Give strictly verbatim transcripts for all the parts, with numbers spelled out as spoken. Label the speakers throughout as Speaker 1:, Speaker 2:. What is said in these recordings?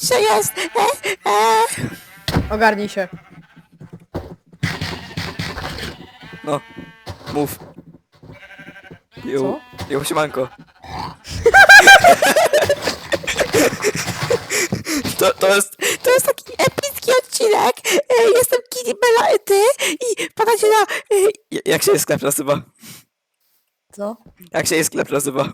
Speaker 1: jeszcze jest! E, e.
Speaker 2: Ogarnij się.
Speaker 3: No, mów. Jo,
Speaker 2: Co?
Speaker 3: jo, siemanko. To, to jest...
Speaker 1: To jest taki epicki odcinek. E, jestem Kitty Bella i ty i padacie na... E,
Speaker 3: j- Jak się sklep nazywa?
Speaker 2: Co?
Speaker 3: Jak się sklep nazywa?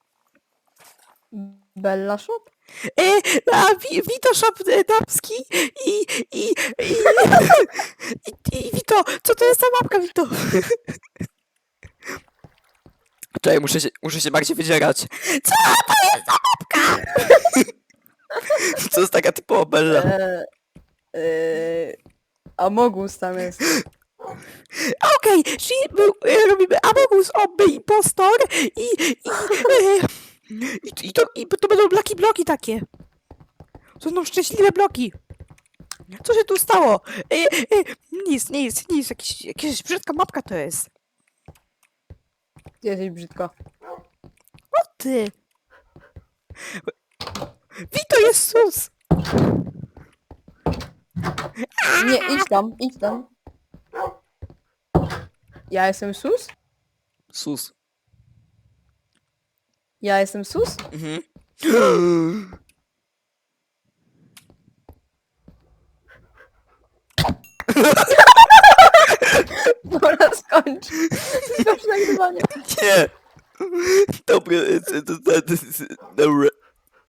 Speaker 2: Bella Shop?
Speaker 1: e, na Wi- Vito Shop e, damski i... i... i... i, i Vito, co to jest za mapka, Vito?
Speaker 3: Czekaj, muszę się, muszę się bardziej wydzierać.
Speaker 1: Co to jest za mapka?
Speaker 3: To jest taka typowa Bella.
Speaker 2: Eee, eee, Amogus tam jest.
Speaker 1: Okej, czyli my, e, robimy Amogus, Obby, Impostor i... i, e, i, i, to, I to będą blaki bloki takie. To będą szczęśliwe bloki. Co się tu stało? E, e, nic, nic, nic. Jakiś, jakaś brzydka mapka to jest.
Speaker 2: Ty jesteś brzydko.
Speaker 1: O ty. Wito jest sus.
Speaker 2: Nie, idź tam, idź tam. Ja jestem sus?
Speaker 3: Sus.
Speaker 2: Ja jestem sus?
Speaker 3: Mhm.
Speaker 2: Dobra, skończ. Skończ nagrywanie.
Speaker 3: Nie. Dobry, to, to, to, to, dobra.